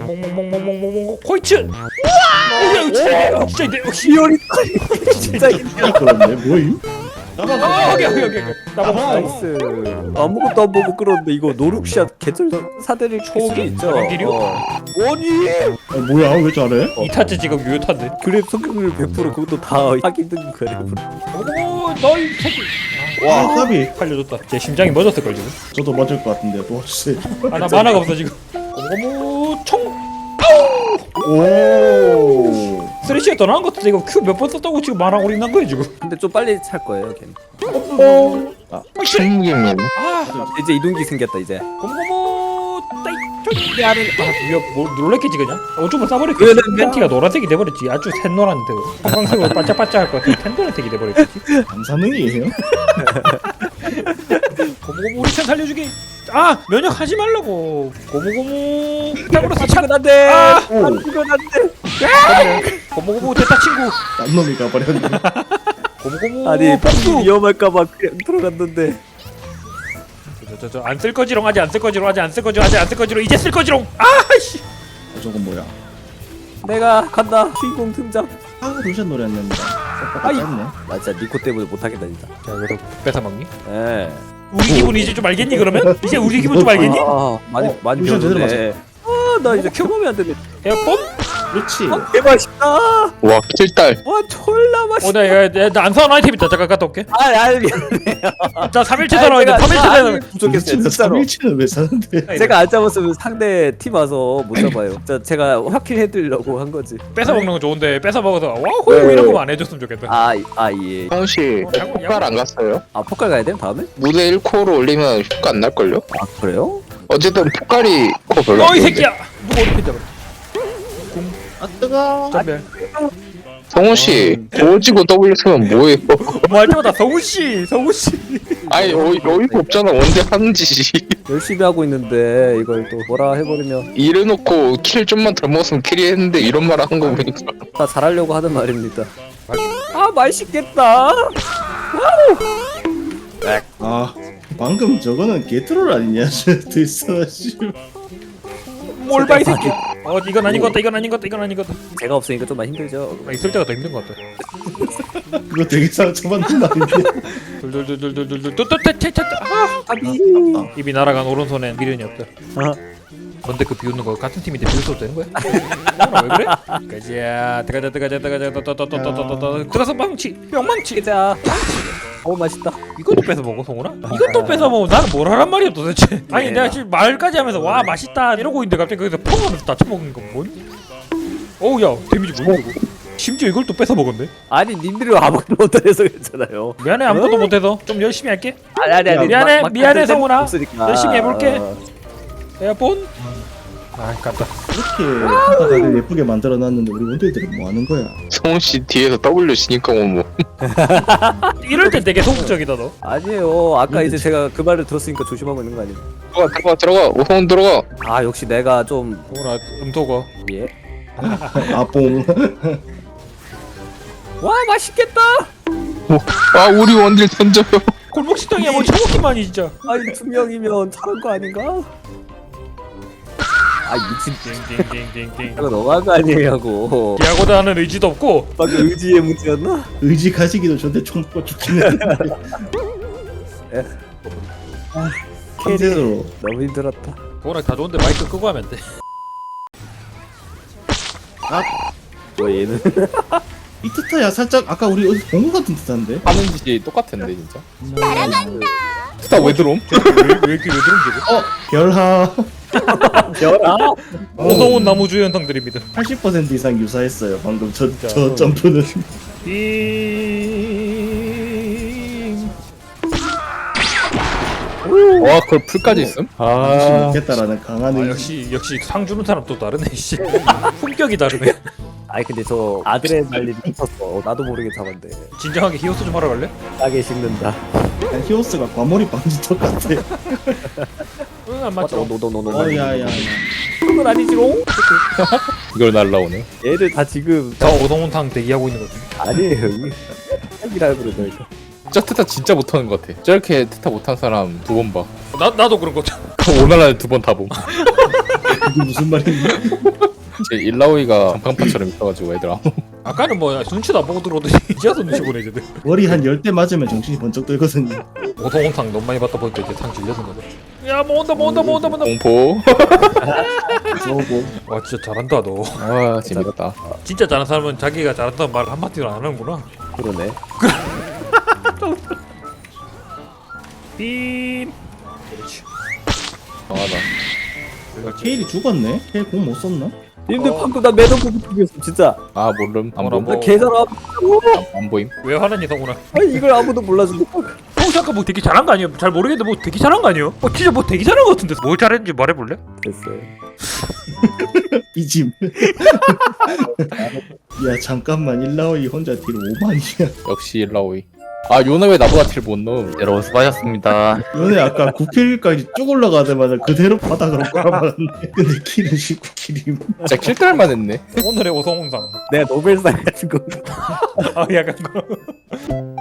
몽몽몽몽몽몽몽 호이츠. 우와 진짜 이제 시오리 진짜 그런데 뭐임? 오케이 나이스. 아무것도 안 보고 끌었는데 이거 노룩샷 개쩔 사대를 초기? 있죠. 기류? 아니 뭐야 왜 잘해? 이타즈 지금 유효탄데. 그랩 성격률 100% 그것도 다 하기 힘든 그랩. 오 너희 새끼. 와 까비. 살려줬다. 제 심장이 멎었을 걸 지금. 저도 맞을 것 같은데 도와주세요. 아 나 만화가 없어 지금. 고무고무 총. 오. 쓰레쉬가 더 나은 것 같은데 이거 큐 몇 번 썼다고 지금 만화 올인한 거야 지금. 근데 좀 빨리 찰 거예요, 걔는. 생기면 아 이제 이동기 생겼다 이제. 고무고무 따이 안에 이거 뭐 놀랬겠지 그냥. 오줌을 싸버렸겠지. 그러네. 팬티가 노란색이 돼버렸지. 아주 샛노란데 형광색으로 반짝반짝할 것 같은 텐노란색이 돼버렸지. 감사능이에요? 고무고무 우리 편 살려주기. 아 면역하지 말라고. 고무고무 탁으로서 아, 착. 안돼. 아! 이건 안돼. 고무고무 됐다 친구. 딴 놈이 가버렸네. 고무고무 아니 복수. 위험할까봐 그냥 들어갔는데. 저 안 쓸 거지롱 아직 안 쓸 거지롱 아직 안 쓸 거지롱 아직 안 쓸 거지롱 이제 쓸 거지롱. 아씨. 저건 뭐야? 내가 간다. 주인공 등장. 아 루션 노래였는데. 아이. 짧네. 나 진짜 니코 때문에 못하겠다 진짜. 자 그래도 뺏어 먹니? 예. 우리 기분 이제 좀 알겠니 그러면? 이제 우리 기분 좀 알겠니? 아 많이 어, 많이 루션 제대로 배웠네. 아나 이제 경험이 안 되네. 에어폰? 그렇지. 개맛있다. 와 킬딸 와 졸라 맛있다. 나안 사는 아이템 있다 잠깐 갔다 올게. 미안해. 자 3일치 사러 와야 돼 3일치 사러 와야 돼. 부족했어요 진짜로. 3일치는 왜 사는데? 제가 안 잡았으면 상대 팀 와서 못 잡아요. 제가 확킬 해드리려고 한 거지. 뺏어 먹는 건 좋은데 뺏어 먹어서 와호 이런 거만 안 해줬으면 좋겠다. 아 예. 성훈씨 폭발 안 갔어요? 아 포칼 가야 돼 다음에? 무대 1코로 올리면 효과 안 날걸요? 아 그래요? 어쨌든 폭발이 코 별로 안 어이 좋은데. 새끼야. 누가 어디 펜잡아? 아 뜨거. 전멸. 성훈씨 도지고 W 쓰면 뭐예요? 뭐할 때마다 성우씨 성우씨. 아니 어이가 없잖아 언제 하는 짓이. 열심히 하고 있는데 이걸 또 뭐라 해버리면 이래놓고 킬 좀만 덜 먹었으면 킬이 했는데 이런 말 하는 거 보니까 다 잘하려고 하는 말입니다. 아 맛있겠다. 아 방금 저거는 게트롤 아니냐? 됐어 씨. 뭘봐 이 새끼. 이건 아닌 것 같다 이건 아닌 것 같다 이건 아닌 것 같다. 제가 없으니까 좀 많이 힘들죠. 있을 때가 더 힘든 것 같다. 그거 되게 상처받는 말인데. 둘둘둘둘둘둘 또또또또또 아 아비. 입이 날아간 오른손엔 미련이 없다. 아, 뭔데 그 비웃는 거 같은 팀인데 비웃어도 되는 거야? 왜 그래? 가자 들어가자 또또또또또또또또 들어가서 망치 뿅망치. 가자. 오 맛있다. 이것도 뺏어 먹어 성훈아? 이것도 뺏어 먹어. 나는 뭘 하란 말이야 도대체. 아니 내가 지금 말까지 하면서 와 맛있다 이러고 있는데 갑자기 거기서 펑 하면서 다 처먹는 건 뭔? 어우 야 데미지 뭐야 이거. 심지어 이걸 또 뺏어 먹었네. 아니 님들이 아무것도 못해서 괜찮아요. 미안해 아무것도 못해서 좀 열심히 할게. 아니 미안해, 막 미안해, 같은 성훈아. 없으니까. 열심히 해볼게. 에어폰? 아 깜다. 이렇게 다들 예쁘게 만들어놨는데 우리 원딜들은 뭐 하는 거야? 성훈씨 뒤에서 W 치니까 뭐 이럴 때 되게 소극적이다 너. 아니에요. 아까 이제 제가 그 말을 들었으니까 조심하고 있는 거 아니에요? 들어가 오성훈 들어가. 아 역시 내가 좀 성훈아 음토거. 예. 아뽕. 와 맛있겠다. 아 우리 원딜 던져요. 골목 식당이야 뭐 처먹기만이 진짜. 아니 두 명이면 잘한 거 아닌가? 아 미친 띵띵띵띵띵. 이거 너무한 거 아니냐고. 야구다 하는 의지도 없고. 방금 의지의 문제였나? 의지 가지기도 전에 총 뽑아 죽긴 했는데. 컨셉으로. 너무 힘들었다. 성훈아 다 좋은데 마이크 끄고 하면 돼. 뭐 얘는 이 트타야 살짝 아까 우리 어디 본것 같은 트타인데? 하는 짓이 똑같은데 진짜. 날아간다. 스타 왜 들어옴? 왜 이렇게 왜 들은 결하. 별아? 오성훈 나무주의 현상들입니다. 80% 이상 유사했어요. 방금 저 진짜. 점프는. 와 그걸 풀까지 있음? 아 못했다라는 강한 의지. 역시 상 주는 사람 또 다르네 씨. 품격이 다르네. 아니 근데 저 아드레날린 미쳤어. 나도 모르게 잡았는데 진정하게 히오스 좀 하러 갈래? 싸게 식는다. 약간 히오스가 과몰입 방지 똑같아. 응 안 맞죠. 노노노노노. 야야야. 그건 아니지롱? 이걸 날라오네. 얘들 다 지금 저 오성훈탕 대기하고 있는 거지. 아니에요. 핵이라 그러죠. 저 트타 진짜 못하는 것 같아. 저렇게 트타 못한 사람 두 번 봐. 나도 그런 거죠. 오나라에 두 번 다 봄. 그게 무슨 말이냐? 제 일라오이가 장판파처럼 있어가지고 애들 아무 아까는 뭐 눈치도 안 보고 들어오더니 이제서 눈치 보네 이제. 머리 한 10대 맞으면 정신이 번쩍 들거든요. 오동탕 너무 많이 받다 보니까 이제 탕 질려든 거죠. 야뭐 온다 뭐 온다 뭐 온다 뭐 온다. 공포. 쏘고 와 진짜 잘한다 너. 아 재밌다. 진짜 잘하는 사람은 자기가 잘한다는 말 한마디도 안 하는구나. 그러네. 빔. 그렇지. 강하다. 케일이 죽었네? 케일 공 못 썼나? 님들 방금 나 매듭 보고 죽였어 진짜. 아 모름 안 뭐라 봄. 뭐. 나 개잘함. 안 보임. 왜 화나니 성훈아? 아니 이걸 아무도 몰라준다. 잠깐 뭐 되게 잘한 거 아니에요? 잘 모르겠는데 뭐 되게 잘한 거 아니에요? 진짜 뭐 되게 잘한 거 같은데 뭘 잘했는지 말해볼래? 됐어요. 이짐. 야 잠깐만 일라오이 혼자 딜 5만이야. 역시 일라오이. 아 요나 왜 나보다 딜 못 넣음? 여러분 수고하셨습니다. 너네 아까 9킬까지 쭉 올라가자마자 그대로 바닥으로 깔아봤네. 근데 킬은 19킬임. 진짜 킬달만 했네. 오늘의 오성훈상. 내가 노벨상 같은 거. 아 약간 거.